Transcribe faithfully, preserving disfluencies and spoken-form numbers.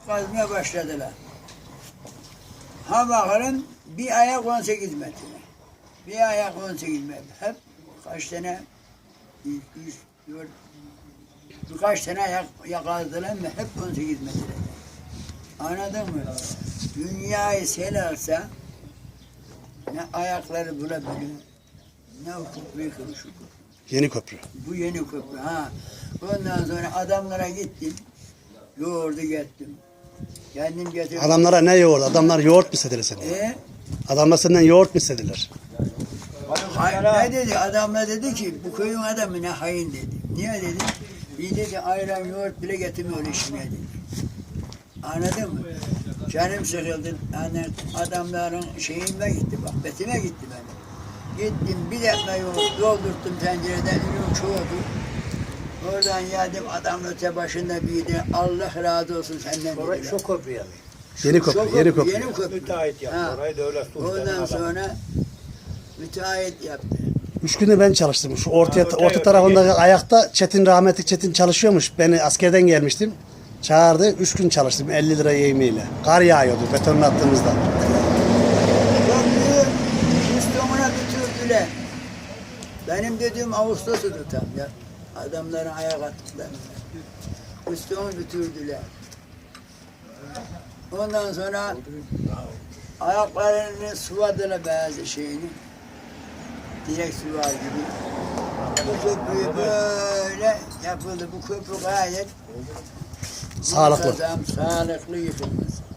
kazmaya başladılar. Ha bakalım bir ayak on sekiz metre. Bir ayak on sekiz metre. Hep kaç tane üç, dört, birkaç tane ayak yakaladılar mı hep on sekiz metre. Anladın mı? Dünyayı sel alsa ne ayakları bulabilir, ne o köprüyü kırmış. Yeni köprü. Bu yeni köprü ha. Ondan sonra adamlara gittim. Yoğurdu gettim. Kendim getirdim. Adamlara ne yoğurdu? Adamlar yoğurt mu istediler senden? E, Adamlar senden yoğurt mu istediler? hay, ne dedi? Adamlar dedi ki bu köyün adamı ne hain dedi. Niye dedi? Bir dedi ayran yoğurt bile getirmiyor işine dedi. Anladın mı? Canım sıkıldı. Yani adamların şeyime gitti bak. Betime gitti benim. Gittim bir defa yoğurt doldurttum tencereden. Ürün çoğuldu. Oradan geldim adam öte başında bir de Allah razı olsun senden Orayı dediler. şu köprüye mi? Yeni köprü, Çok yeni köprü. Yeni köprü. Müteahhit yaptı. Ha. Orayı da öyle sultanın Ondan adamı. sonra müteahhit yaptı. Üç günde ben çalıştım. Şu ortaya, Ha, öte- orta öte tarafındaki ayakta Çetin, rahmetli Çetin çalışıyormuş. Beni askerden gelmiştim. Çağırdı. Üç gün çalıştım elli lira yemeğiyle. Kar yağıyordu betonun attığımızda. Köprüyü Müslüman'a götürdüler. Benim dediğim Ağustos'u tutam ya. Adamların ayak attılar. Müslüman'ı götürdüler. Ondan sonra ayaklarını sıvadılar bazı şeyini. Direkt sıvar gibi. Bu köprüyü böyle yapıldı. Bu köprü gayet Sağlıklı. muntazam, sağlıklı yıkılmış.